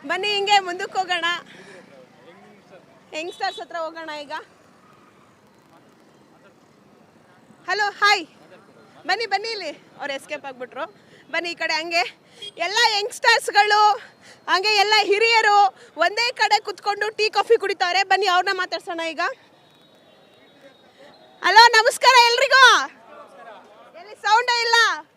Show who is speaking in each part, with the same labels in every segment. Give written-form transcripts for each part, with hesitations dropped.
Speaker 1: ಬನ್ನಿ ಹಿಂಗೆ ಮುಂದಕ್ಕೆ ಹೋಗೋಣ. ಯಂಗ್ಸ್ಟರ್ಸ್ ಹತ್ರ ಹೋಗೋಣ ಈಗ. ಹಲೋ ಹಾಯ್, ಬನ್ನಿ ಬನ್ನಿ, ಇಲ್ಲಿ ಅವ್ರು ಎಸ್ಕೇಪ್ ಆಗಿಬಿಟ್ರು. ಬನ್ನಿ ಈ ಕಡೆ. ಹಂಗೆ ಎಲ್ಲ ಯಂಗ್ಸ್ಟರ್ಸ್ಗಳು, ಹಂಗೆ ಎಲ್ಲ ಹಿರಿಯರು ಒಂದೇ ಕಡೆ ಕುತ್ಕೊಂಡು ಟೀ ಕಾಫಿ ಕುಡಿತಾರೆ. ಬನ್ನಿ ಅವ್ರನ್ನ ಮಾತಾಡ್ಸೋಣ ಈಗ. ಹಲೋ ನಮಸ್ಕಾರ ಎಲ್ರಿಗೂ. ಎಲ್ಲಿ ಸೌಂಡೇ ಇಲ್ಲ.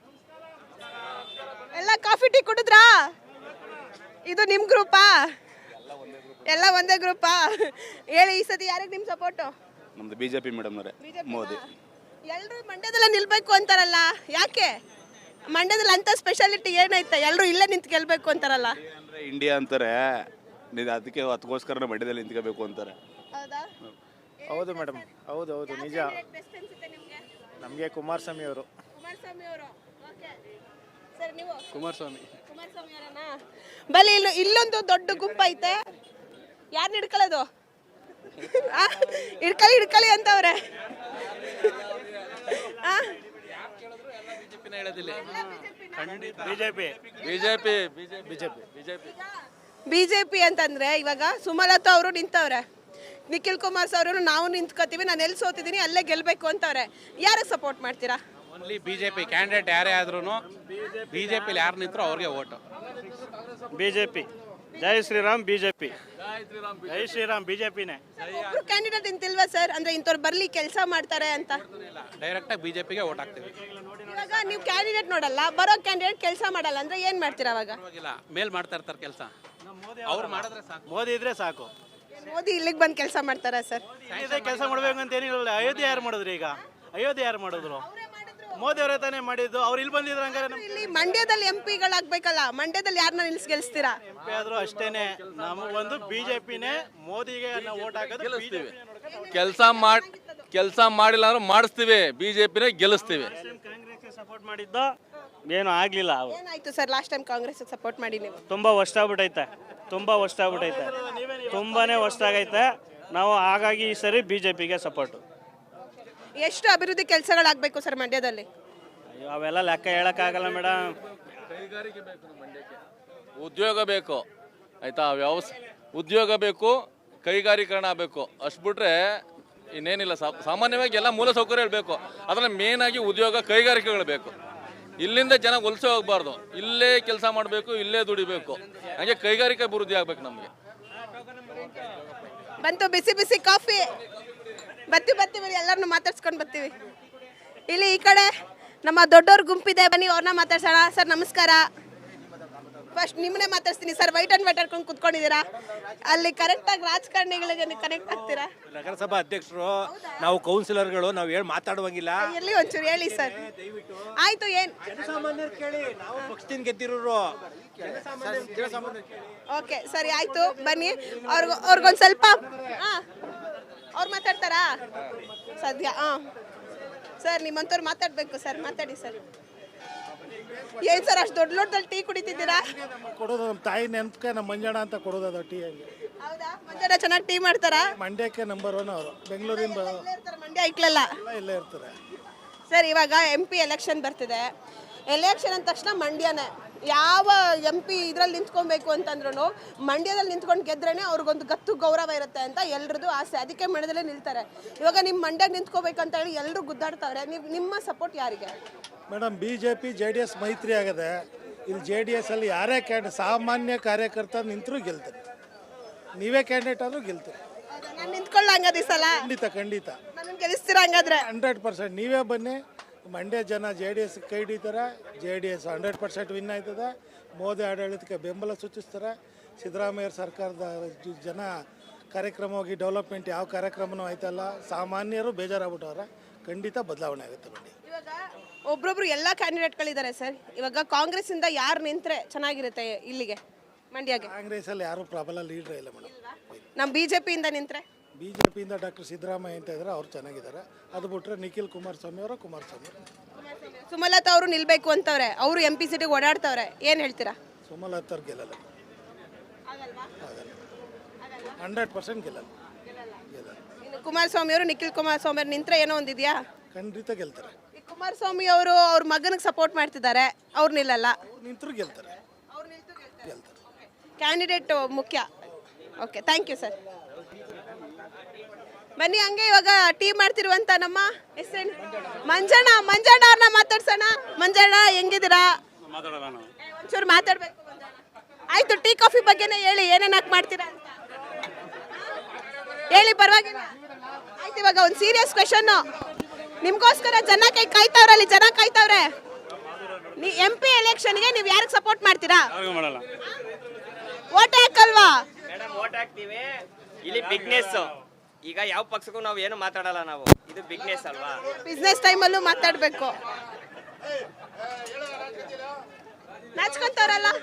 Speaker 1: ಎಲ್ಲ ಕಾಫಿ ಟೀ ಕುಡಿದ್ರಾ? ಇದು ನಿಮ್ಮ ಗ್ರೂಪಾ? ಎಲ್ಲ ಒಂದೇ ಗ್ರೂಪಾ? ಹೇಳಿ, ಈ ಸತಿ ಯಾರಿಗೆ ನಿಮ್ಮ ಸಪೋರ್ಟು?
Speaker 2: ನಮ್ದು ಬಿಜೆಪಿ ಮೇಡಮ್ ಅವರೇ, ಮೋದಿ.
Speaker 1: ಎಲ್ಲರೂ ಮಂಡ್ಯದಲ್ಲೇ ನಿಲ್ಬೇಕು ಅಂತಾರಲ್ಲ, ಯಾಕೆ? ಮಂಡ್ಯದಲ್ಲಿ ಅಂತ ಸ್ಪೆಷಾಲಿಟಿ ಏನೈತೆ? ಎಲ್ಲರೂ ಇಲ್ಲೇ ನಿಂತು ಗೆಲ್ಬೇಕು ಅಂತಾರಲ್ಲ.
Speaker 2: ಅಂದ್ರೆ ಇಂಡಿಯಾ ಅಂತಾರೆ, ಅದಕ್ಕೆ ಅದಕ್ಕೋಸ್ಕರ ಮಂಡ್ಯದಲ್ಲಿ ನಿಂತ್ಕೋಬೇಕು ಅಂತಾರೆ.
Speaker 1: ಹೌದಾ?
Speaker 3: ಹೌದು ಮೇಡಮ್, ಹೌದು ಹೌದು ನಿಜ. ನಮಗೆ ಕುಮಾರಸ್ವಾಮಿ ಅವರು.
Speaker 1: ಕುಮಾರಸ್ವಾಮಿ ಅವರು. ಓಕೆ ಸರ್, ನೀವು
Speaker 2: ಕುಮಾರಸ್ವಾಮಿ
Speaker 1: ಅವರನಾ? ಬಲಿ ಇಲ್ಲೊಂದು ದೊಡ್ಡ ಗುಂಪು ಐತೆ. ಯಾರು ಹಿಡ್ಕೊಳ್ಳೋದು? ಹಿಡ್ಕೊಳ್ಳಿ ಅಂತವ್ರೆ. ಬಿಜೆಪಿ ಅಂತಂದ್ರೆ ಇವಾಗ ಸುಮಲತಾ ಅವರು ನಿಂತವ್ರೆ, ನಿಖಿಲ್ ಕುಮಾರಸ್ವಾಮಿ ಅವರು ನಾವು ನಿಂತ್ಕೋತೀವಿ, ನಾನು ಎಲ್ಲಿ ಸೋತಿದ್ದೀನಿ ಅಲ್ಲೇ ಗೆಲ್ಬೇಕು ಅಂತವ್ರೆ. ಯಾರಿಗೆ ಸಪೋರ್ಟ್ ಮಾಡ್ತೀರಾ?
Speaker 4: ಓನ್ಲಿ ಬಿಜೆಪಿ ಕ್ಯಾಂಡಿಡೇಟ್ ಯಾರೇ ಆದ್ರೂ ಬಿಜೆಪಿಲಿ ಯಾರು ನಿಂತರು ಅವ್ರಿಗೆ ಓಟು.
Speaker 3: ಬಿಜೆಪಿ. ಜೈ ಶ್ರೀರಾಮ್ ಬಿಜೆಪಿ. ಜೈ ಶ್ರೀರಾಮ್ ಬಿಜೆಪಿನೇ.
Speaker 1: ಒಬ್ರು ಕ್ಯಾಂಡಿಡೇಟ್ ನಿಂತಿಲ್ವಾ ಸರ್? ಅಂದ್ರೆ ಇಂಥವ್ರು ಬರ್ಲಿ ಕೆಲಸ ಮಾಡ್ತಾರೆ ಅಂತ.
Speaker 4: ಡೈರೆಕ್ಟ್ ಆಗಿ ಬಿಜೆಪಿಗೆ ಓಟ್ ಹಾಕ್ತೀವಿ.
Speaker 1: ಇವಾಗ ನೀವು ಕ್ಯಾಂಡಿಡೇಟ್ ನೋಡಲ್ಲ, ಬರೋ ಕ್ಯಾಂಡಿಡೇಟ್ ಕೆಲಸ ಮಾಡಲ್ಲ ಅಂದ್ರೆ ಏನ್ ಮಾಡ್ತೀರಾ ಅವಾಗ?
Speaker 4: ಮೇಲ್ ಮಾಡ್ತಾ ಇರ್ತಾರೆ ಕೆಲಸ, ಅವ್ರು ಮಾಡಿದ್ರೆ ಸಾಕು.
Speaker 3: ಮೋದಿ ಇದ್ರೆ ಸಾಕು.
Speaker 1: ಮೋದಿ ಇಲ್ಲಿಗೆ ಬಂದು ಕೆಲಸ ಮಾಡ್ತಾರಾ ಸರ್?
Speaker 3: ಕೆಲಸ ಮಾಡ್ಬೇಕು ಅಂತ ಏನಿಲ್ಲ. ಅಯೋಧ್ಯೆ ಯಾರು ಮಾಡಿದ್ರು? ಈಗ ಅಯೋಧ್ಯೆ ಯಾರು ಮಾಡಿದ್ರು? ಮೋದಿ ಅವರೇ ತಾನೇ ಮಾಡಿದ್ದು. ಅವ್ರು ಇಲ್ಲಿ ಬಂದಿದ್ರು. ಹಂಗಾರೆ
Speaker 1: ಇಲ್ಲಿ ಮಂಡ್ಯದಲ್ಲಿ ಎಂಪಿಗಳಾಗ್ಬೇಕಲ್ಲ, ಮಂಡ್ಯದಲ್ಲಿ ಯಾರನ್ನ ನಿಲ್ಸಿ ಗೆಲ್ಸ್ತೀರಾ?
Speaker 3: ಎಂಪಿ ಆದ್ರೂ ಅಷ್ಟೇನೆ. ನಮಗೊಂದು ಬಿಜೆಪಿನೇ, ಮೋದಿಗೆ ನಾವು ಓಟ್ ಹಾಕೋದು.
Speaker 5: ಕೆಲಸ ಮಾಡಿಲ್ಲ ಅಂದ್ರೆ ಮಾಡಿಸ್ತೀವಿ, ಬಿಜೆಪಿನೇ ಗೆಲ್ಲಿಸ್ತೀವಿ.
Speaker 3: ಕಾಂಗ್ರೆಸ್ಗೆ ಸಪೋರ್ಟ್ ಮಾಡಿದ್ದು ಏನು ಆಗ್ಲಿಲ್ಲ.
Speaker 1: ಏನಾಯ್ತು sir last time Congress support ಮಾಡಿ ನೀವು?
Speaker 3: ತುಂಬಾ ವರ್ಷ ಆಗ್ಬಿಟ್ಟೈತೆ, ತುಂಬಾನೇ ವರ್ಷ ಆಗೈತೆ. ನಾವು ಹಾಗಾಗಿ ಈ ಸರಿ ಬಿಜೆಪಿಗೆ ಸಪೋರ್ಟ್.
Speaker 1: ಎಷ್ಟು ಅಭಿವೃದ್ಧಿ ಕೆಲಸಗಳಾಗಬೇಕು ಸರ್ ಮಂಡ್ಯದಲ್ಲಿ?
Speaker 3: ಅಯ್ಯೋ, ಅವೆಲ್ಲ ಲೆಕ್ಕ ಹೇಳಕ್ಕಾಗಲ್ಲ ಮೇಡಮ್.
Speaker 5: ಕೈಗಾರಿಕೆ ಬೇಕು ನಮ್ಮ ಮಂಡ್ಯಕ್ಕೆ, ಉದ್ಯೋಗ ಬೇಕು, ಆಯ್ತಾ? ಉದ್ಯೋಗ ಬೇಕು, ಕೈಗಾರೀಕರಣ ಆಗಬೇಕು. ಅಷ್ಟು ಬಿಟ್ರೆ ಇನ್ನೇನಿಲ್ಲ. ಸಾಮಾನ್ಯವಾಗಿ ಎಲ್ಲ ಮೂಲ ಸೌಕರ್ಯ ಬೇಕು, ಅದರಲ್ಲಿ ಮೇನ್ ಆಗಿ ಉದ್ಯೋಗ ಕೈಗಾರಿಕೆಗಳು ಬೇಕು. ಇಲ್ಲಿಂದ ಜನ ವಲಸೆ ಹೋಗ್ಬಾರ್ದು, ಇಲ್ಲೇ ಕೆಲಸ ಮಾಡಬೇಕು, ಇಲ್ಲೇ ದುಡಿಬೇಕು. ಹಾಗೆ ಕೈಗಾರಿಕೆ ಅಭಿವೃದ್ಧಿ ಆಗ್ಬೇಕು ನಮಗೆ.
Speaker 1: ಬಂತು ಬಿಸಿ ಬಿಸಿ ಕಾಫಿ. ಬರ್ತೀವಿ ಎಲ್ಲರನ್ನು ಮಾತಾಡ್ಸ್ಕೊಂಡು ಬರ್ತೀವಿ. ಇಲ್ಲಿ ಈ ಕಡೆ ನಮ್ಮ ದೊಡ್ಡವ್ರ ಗುಂಪಿದೆ, ಬನ್ನಿ ಅವ್ರನ್ನ ಮಾತಾಡ್ಸೋಣ. ಸರ್ ನಮಸ್ಕಾರ. ಫಸ್ಟ್ ನಿಮ್ಮನ್ನೇ ಮಾತಾಡ್ತೀನಿ ಸರ್. ವೈಟ್ ಅಂಡ್ ವೈಟ್ ಹಾಕೊಂಡು ಕುತ್ಕೊಂಡಿದ್ದೀರಾ, ಅಲ್ಲಿ ಕರೆಕ್ಟಾಗಿ ರಾಜಕಾರಣಿಗಳಿಗೆ ಕನೆಕ್ಟ್ ಆಗ್ತೀರಾ?
Speaker 6: ನಗರಸಭಾ ಅಧ್ಯಕ್ಷರು ನಾವು, ಕೌನ್ಸಿಲರ್ಗಳು, ನಾವು ಹೇಳಿ ಮಾತಾಡುವಂಗಿಲ್ಲ.
Speaker 1: ಎಲ್ಲಿ ಒಂಚೂರು ಹೇಳಿ ಸರ್. ಆಯ್ತು, ಏನ್
Speaker 6: ಜನಸಾಮಾನ್ಯರು ಕೇಳಿ, ನಾವು ಪಕ್ಷದಿಂದ ಗೆದ್ದಿರೋರು.
Speaker 1: ಓಕೆ ಸರಿ ಆಯ್ತು, ಬನ್ನಿ. ಅವ್ರಿಗೊಂದು ಸ್ವಲ್ಪ ಅವ್ರು ಮಾತಾಡ್ತಾರಾ ಸದ್ಯ? ಸರ್ ನಿಮ್ಮಂತವ್ರು ಮಾತಾಡ್ಬೇಕು ಸರ್, ಮಾತಾಡಿ ಸರ್. ಏನ್ ಸರ್ ಅಷ್ಟು ದೊಡ್ಡ ಲೋಟದಲ್ಲಿ ಟೀ ಕುಡಿತಿದ್ದೀರಾ?
Speaker 7: ಕೊಡೋದು ನಮ್ಮ ತಾಯಿ ನೆನಪಕ್ಕೆ ನಮ್ಮ ಮಂಜಣ್ಣ ಅಂತ ಕೊಡೋದು ಅದು ಟೀ. ಹಂಗೆ.
Speaker 1: ಹೌದಾ? ಮಂಜಣ್ಣ ಚೆನ್ನಾಗಿ ಟೀ ಮಾಡ್ತಾರಾ?
Speaker 7: ಮಂಡ್ಯಕ್ಕೆ ನಂಬರ್ 1 ಅವರು. ಬೆಂಗಳೂರಿಂದ
Speaker 1: ಮಂಡ್ಯ ಇಕ್ಲಲ್ಲ
Speaker 7: ಇಲ್ಲೇ ಇರ್ತಾರೆ
Speaker 1: ಸರ್. ಇವಾಗ MP ಎಲೆಕ್ಷನ್ ಬರ್ತಿದೆ. ಎಲೆಕ್ಷನ್ ಅಂದ ತಕ್ಷಣ ಮಂಡ್ಯನೇ. ಯಾವ MP ಇದ್ರಲ್ಲಿ ನಿಂತ್ಕೊಬೇಕು ಅಂತಂದ್ರೂ ಮಂಡ್ಯದಲ್ಲಿ ನಿಂತ್ಕೊಂಡು ಗೆದ್ರೇನೆ ಅವ್ರಿಗೊಂದು ಗತ್ತು ಗೌರವ ಇರುತ್ತೆ ಅಂತ ಎಲ್ರದ್ದು ಆಸೆ. ಅದಕ್ಕೆ ಮಂಡ್ಯದಲ್ಲೇ ನಿಲ್ತಾರೆ. ಇವಾಗ ನಿಮ್ಮ ಮಂಡ್ಯ ನಿಂತ್ಕೋಬೇಕಂತ ಹೇಳಿ ಎಲ್ಲರೂ ಗುದ್ದಾಡ್ತಾವ್ರೆ. ನಿಮ್ಮ ಸಪೋರ್ಟ್ ಯಾರಿಗೆ?
Speaker 7: ಮೇಡಮ್, BJP JDS ಮೈತ್ರಿ ಆಗದೆ. ಇಲ್ಲಿ JDS ಅಲ್ಲಿ ಯಾರೇ ಸಾಮಾನ್ಯ ಕಾರ್ಯಕರ್ತ ನಿಂತರೂ ಗೆಲ್ತಾರೆ. ನೀವೇ ಕ್ಯಾಂಡಿಡೇಟ್ ಆದ್ರೂ ಗೆಲ್ತೀರಿ.
Speaker 1: ನಾನು ನಿಂತ್ಕೊಳ್ಳಂಗದ ಈ ಸಲ?
Speaker 7: ಖಂಡಿತ
Speaker 1: ನನ್ನ ಗೆಲ್ಲಿಸ್ತೀರಾ ಹಂಗಾದ್ರೆ?
Speaker 7: 100% ನೀವೇ ಬನ್ನಿ. ಮಂಡ್ಯ ಜನ JDS ಕೈ ಹಿಡಿತಾರೆ. JDS 100% ವಿನ್ ಆಯ್ತದೆ. ಮೋದಿ ಆಡಳಿತಕ್ಕೆ ಬೆಂಬಲ ಸೂಚಿಸ್ತಾರೆ. ಸಿದ್ದರಾಮಯ್ಯ ಸರ್ಕಾರದ ಜನ ಕಾರ್ಯಕ್ರಮವಾಗಿ ಡೆವಲಪ್ಮೆಂಟ್ ಯಾವ ಕಾರ್ಯಕ್ರಮನೂ ಆಯ್ತಲ್ಲ. ಸಾಮಾನ್ಯರು ಬೇಜಾರಾಗ್ಬಿಟ್ಟವ್ರೆ. ಖಂಡಿತ ಬದಲಾವಣೆ ಆಗುತ್ತೆ ಮಂಡ್ಯ.
Speaker 1: ಇವಾಗ ಒಬ್ರೊಬ್ರು ಎಲ್ಲ ಕ್ಯಾಂಡಿಡೇಟ್ಗಳಿದ್ದಾರೆ ಸರ್. ಇವಾಗ ಕಾಂಗ್ರೆಸ್ ಇಂದ ಯಾರು ನಿಂತ್ರೆ ಚೆನ್ನಾಗಿರುತ್ತೆ ಇಲ್ಲಿಗೆ ಮಂಡ್ಯಗೆ?
Speaker 7: ಕಾಂಗ್ರೆಸ್ ಅಲ್ಲಿ ಯಾರು ಪ್ರಬಲ ಲೀಡರ್ ಇಲ್ಲ ಮೇಡಮ್.
Speaker 1: ನಮ್ಮ BJP ಇಂದ ನಿಂತ್ರೆ?
Speaker 7: BJP ಇಂದ ಡಾಕ್ಟರ್ ಸಿದ್ದರಾಮಯ್ಯ ಅಂತ ಇದ್ದಾರೆ, ಅವ್ರು ಚೆನ್ನಾಗಿದ್ದಾರೆ. ಅದು ಬಿಟ್ಟರೆ ನಿಖಿಲ್ ಕುಮಾರಸ್ವಾಮಿ ಅವರು.
Speaker 1: ಸುಮಲತಾ ಅವರು ನಿಲ್ಬೇಕು ಅಂತವ್ರೆ, ಅವರು MP ಸೀಟಿಗೆ ಓಡಾಡ್ತವ್ರೆ. ಏನು ಹೇಳ್ತೀರಾ?
Speaker 7: ಸುಮಲತಾ ಅವ್ರು ಗೆಲ್ಲಲ್ಲ, 100% ಗೆಲ್ಲಲ್ಲ.
Speaker 1: ಕುಮಾರಸ್ವಾಮಿ ಅವರು, ನಿಖಿಲ್ ಕುಮಾರಸ್ವಾಮಿ ಅವರು ನಿಂತ್ರೆ ಏನೋ ಒಂದಿದೆಯಾ?
Speaker 7: ಖಂಡಿತ ಗೆಲ್ತಾರೆ.
Speaker 1: ಕುಮಾರಸ್ವಾಮಿ ಅವರು ಅವ್ರ ಮಗನಿಗೆ ಸಪೋರ್ಟ್ ಮಾಡ್ತಿದ್ದಾರೆ, ಅವ್ರು ನಿಲ್ಲಲ್ಲ.
Speaker 7: ನಿಂತರು ಗೆಲ್ತಾರೆ.
Speaker 1: ಕ್ಯಾಂಡಿಡೇಟ್ ಮುಖ್ಯ. Okay, thank you sir. ಬನ್ನಿ, ಹಂಗೆ ಇವಾಗ ಟೀ ಮಾಡ್ತಿರುವಂತ ನಮ್ಮ ಹೆಸರು ಮಂಜಣ್ಣ ಅವ್ರನ್ನ ಮಾತಾಡ್ಸೋಣ. ಮಂಜಣ್ಣ ಹೆಂಗಿದ್ದೀರಾ? ಒಂಚೂರು ಮಾತಾಡ್ಬೇಕು. ಆಯ್ತು, ಟೀ ಕಾಫಿ ಬಗ್ಗೆನೇ ಹೇಳಿ, ಏನೇನು ಹಾಕಿ ಮಾಡ್ತೀರಾ ಅಂತ ಹೇಳಿ, ಪರವಾಗಿಲ್ಲ. ಆಯ್ತು, ಇವಾಗ ಒಂದು ಸೀರಿಯಸ್ ಕ್ವೆಶನ್ ನಿಮ್ಗೋಸ್ಕರ ಜನ ಕಾಯ್ತಾವ್ರಲ್ಲಿ, ಜನ ಕಾಯ್ತಾವ್ರೆ. MP ಎಲೆಕ್ಷನ್ಗೆ ನೀವು ಯಾರಿಗೆ ಸಪೋರ್ಟ್ ಮಾಡ್ತೀರಾ? ಓಟ್ ಹಾಕಲ್ವಾ?
Speaker 8: ಮೇಡಮ್ ಓಟ್ ಹಾಕ್ತೀವಿ. ಇಲ್ಲಿ ಬಿಗ್ನೆಸ್. ಈಗ ಯಾವ ಪಕ್ಷಕ್ಕೂ ನಾವು ಏನು ಮಾತಾಡಲ್ಲ, ನಾವು ಇದು ಬಿಗ್ನೆಸ್ ಅಲ್ವಾ.
Speaker 1: ಬಿಸ್ನೆಸ್ ಟೈಮಲ್ಲೂ ಮಾತಾಡಬೇಕು. ನಾಚ್ಕೊಂತವ್ರಲ್ಲ.